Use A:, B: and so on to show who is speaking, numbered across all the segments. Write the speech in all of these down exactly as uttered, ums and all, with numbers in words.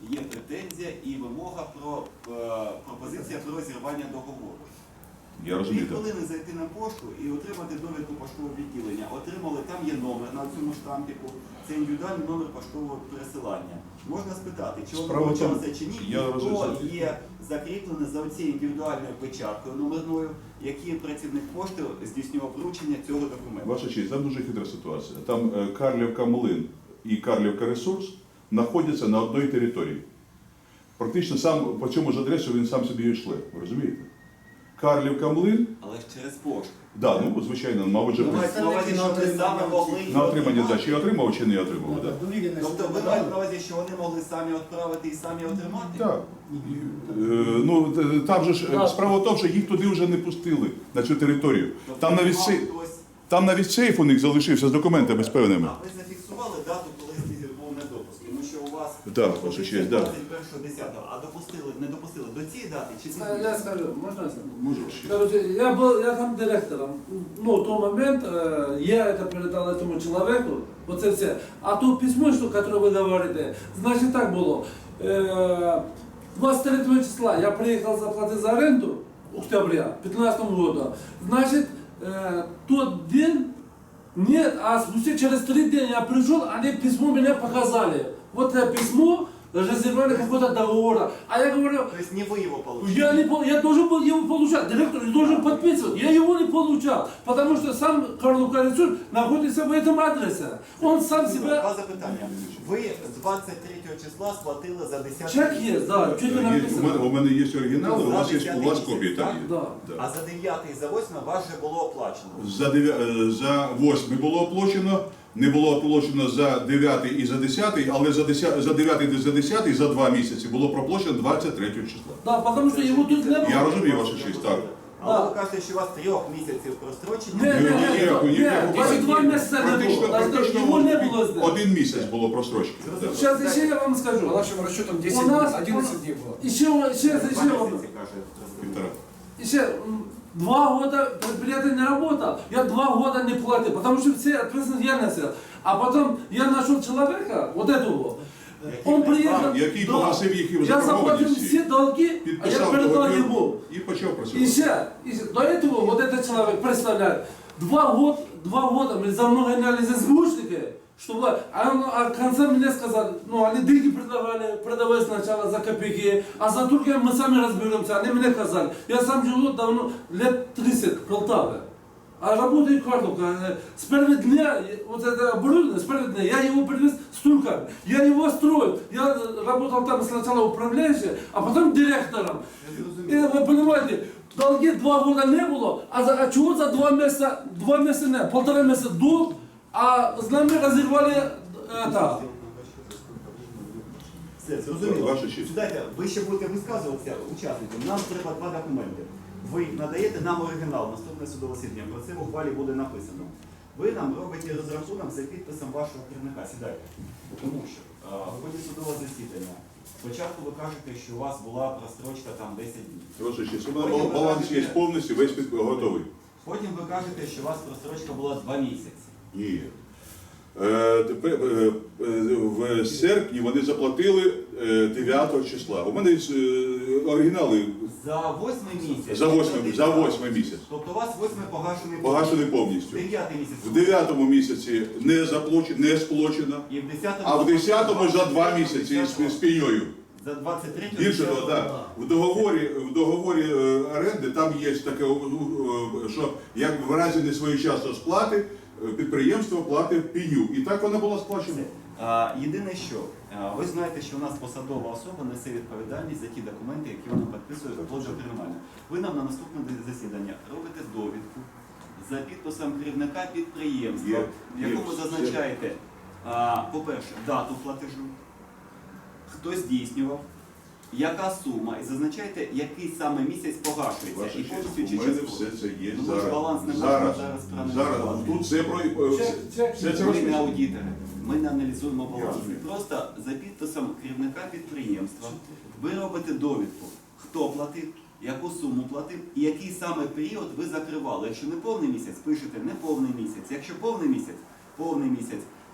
A: є претензія і вимога про е, пропозиція про розірвання договору.
B: Я
A: Дві
B: розумію.
A: хвилини зайти на пошту і отримати довідку поштового відділення. Отримали, там є номер на цьому штампіку, це індивідуальний номер поштового пересилання. Можна спитати, чи воно вручалося чи ні, і
B: я
A: хто
B: розумію.
A: є закріплений за цією індивідуальною печаткою номерною, який працівник пошти здійснював вручення цього документу.
B: Ваша честь, там дуже хитра ситуація. Там е, Карлівка Млин і Карлівка Ресурс знаходяться на одній території. Практично сам по цьому ж адресу він сам собі і йшле. Ви розумієте? Карлівка Млин,
A: Але ж через пошту.
B: да, ну звичайно, мабуть, же
A: Мається на увазі, що вони саме могли...
B: на отримання да, чи отримав, чи не отримав. Да.
A: Тобто ви маєте на увазі, що вони могли самі відправити і самі отримати?
B: Так. Е, ну, т- там же ж е, справа в тому, що їх туди вже не пустили на цю територію.
A: Тобто
B: Там навіть,
A: мав
B: сей-
A: хтось-
B: там навіть сейф у них залишився з документами з певними.
A: А ви зафіксували дату, коли був недопуск? Тому що у вас
B: Так, ваша честь, так.
A: двадцять першого десятого, а допустили, не допустили до цієї дати чи
C: Я
A: пізніше?
C: скажу, можно я скажу?
B: Може,
C: Короче, я был, я там директором. Ну, в тот момент э, я это передал этому человеку, вот это все. А то письмо, что, которое вы говорите, значит так было. Э, двадцать третьего числа я приехал заплатить за аренду, октября пятнадцатого года. Значит, э, тот день, нет, а спустя через три дня я пришел, они письмо мне показали. Вот это письмо, резервирование какого-то договора. А я говорю,
A: То есть не вы его получили?
C: я, не, пол- я должен был его получать, директор должен подписывать. Я его не получал, потому что сам Карлов Ресурс находится в этом адресе. Он сам себя...
A: Два запитання. Ви двадцять третього числа сплатили за десятий
C: Чек есть, да, чуть не
B: Є- у, мене,
C: написано.
B: у мене є оригінал, у вас є у вас копії, так?
C: Да.
B: Да.
A: А за дев'ятий і за восьмий вас вже було оплачено.
B: За, дев'я... е, за восьмий було оплачено, не було оплачено за дев'ятий і за десятий, але за, десятий, за дев'ятий і за десятий за два місяці було проплачено двадцять третього числа.
C: Да, потому что его тут не было.
B: Я розумію, ваша честь, так.
A: Але ви кажете, що у вас трьох місяців прострочення.
C: Не, не,
B: Ні, ні,
C: не,
B: ні, ні,
C: не,
B: ні,
C: даже
B: ні.
C: два месяца не
B: Практично,
C: было. Даже
B: практично
C: его не было здесь.
B: один місяць було просрочки. Да.
C: Сейчас еще я вам
D: По
C: скажу.
D: нашим расчетам десять
C: У нас-
D: дней, одиннадцать дней было.
C: Еще, сейчас,
A: Два
C: еще,
A: місяці, каже.
B: Півтора.
C: еще м, два года предприятие не работало. Я два года не платил, потому что все ответственность я носил. А потом я нашел человека, вот этого. Он приехал,
B: Який
C: да.
B: погасив їх
C: Я заплатил
B: заборгованості,
C: все долги, а я
B: підписав
C: передал
B: договір
C: ему.
B: і почав
C: И
B: працювати.
C: все, и все. До этого вот этот человек, представляет, два года, два года мы за мной гоняли за звучники, чтобы, а, он, а в конце мне сказали, ну они деньги предлагали, продавай сначала за копейки, а за турки мы сами разберемся, они мне сказали. Я сам живу давно, лет тридцать в Полтаве. А работаю Карловка. С первого дня, вот это оборудование, с первого дня, я его привез с турками. Я его строил. Я работал там сначала управляющим, а потом директором. И вы понимаете, долги два года не было, а, за, а чего за два месяца, два месяца не, полтора месяца долг, а с нами разорвали это.
A: Все, зрозуміло.
B: Ваша честь.
A: Сідайте, ви ще будете висказуватися учасникам. Нам треба два документи. Ви надаєте нам оригінал, наступне судове засідання. Про це в ухвалі буде написано. Ви нам робите розрахунок за підписом вашого керівника. Сідайте. Тому що а, в ході судового засідання спочатку ви кажете, що у вас була прострочка там десять днів.
B: Ваша честь, у мене баланс є повністю, весь під- готовий.
A: Потім ви кажете, що у вас прострочка була два місяці.
B: Ні. Е, тепер, е, е, в серпні вони заплатили е, дев'ятого числа. У мене е, оригінали
A: За восьмий місяць.
B: за восьмий, за восьмий місяць.
A: Тобто у вас восьмий погашений
B: Погашені повністю.
A: Дев'ятий місяць.
B: В дев'ятому місяці не заплачено, не сплачено,
A: І в десятому.
B: а в десятому за два місяці з, з пеньою.
A: За двадцять третього.
B: Більше того, да. В договорі, в договорі е, оренди там є таке, е, е, що як в разі несвоєчасної сплати е, підприємство платить пеню. І так вона була сплачена.
A: А, єдине що, а, ви знаєте, що у нас посадова особа несе відповідальність за ті документи, які вона підписує вплоть до кримінального. Ви нам на наступне засідання робите довідку за підписом керівника підприємства,
B: Є,
A: в якому
B: є.
A: зазначаєте, а, по-перше, дату платежу, хто здійснював, яка сума, і зазначаєте, який саме місяць погашується.
B: Ваша
A: І
B: честь,
A: повністю
B: у
A: чи
B: мене
A: частково.
B: все це є
A: Ну, ми ж баланс не
B: зараз.
A: можемо
B: Зараз,
A: зараз
B: зараз.
A: проаналізувати.
B: Тут все про е, все,
C: Чек-
B: все це
A: Ми не
B: розписано.
A: аудитори, ми не аналізуємо
B: Я
A: баланс.
B: розумію.
A: Просто за підписом керівника підприємства ви робите довідку, хто платив, яку суму платив і який саме період ви закривали. Якщо не повний місяць, пишете не повний місяць. Якщо повний місяць, повний місяць.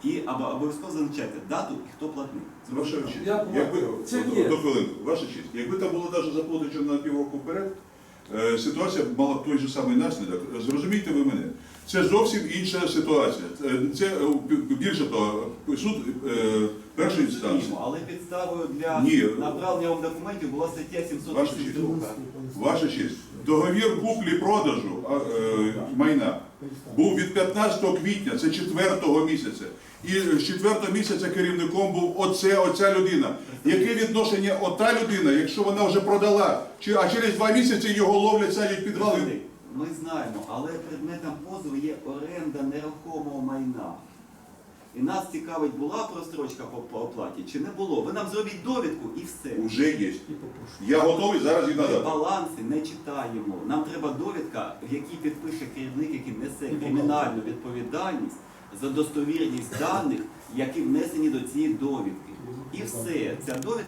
A: І або- обов'язково зазначайте дату і хто платник.
B: Ваша честь,
C: Я
B: якби,
C: Це
B: от-
C: є.
B: до хвилинку, ваша честь, якби там було навіть заплаточено на півроку вперед, е, ситуація б мала той же самий наслідок. Зрозумійте ви мене. Це зовсім інша ситуація. Е, Це е, більше того, суд е, першої інстанції.
A: Розуміємо, але підставою для
B: Ні.
A: направлення вам документів була стаття сімсот
B: Ваша
A: тридцять
B: честь.
A: два.
B: Ваша честь, договір куплі-продажу а, е, майна був від п'ятнадцятого квітня, це четвертого місяця. І з четвертого місяця керівником був оце, оця людина. Яке відношення ота людина, якщо вона вже продала, чи, а через два місяці його ловлять, садять підвали?
A: Представник, Ми знаємо, але предметом позову є оренда нерухомого майна. І нас цікавить, була прострочка по, по оплаті чи не було. Ви нам зробіть довідку і все.
B: Уже є. Я готовий зараз її
A: Ми
B: надати.
A: баланси не читаємо. Нам треба довідка, в якій підпише керівник, який несе кримінальну відповідальність за достовірність даних, які внесені до цієї довідки. І все. Ця довідка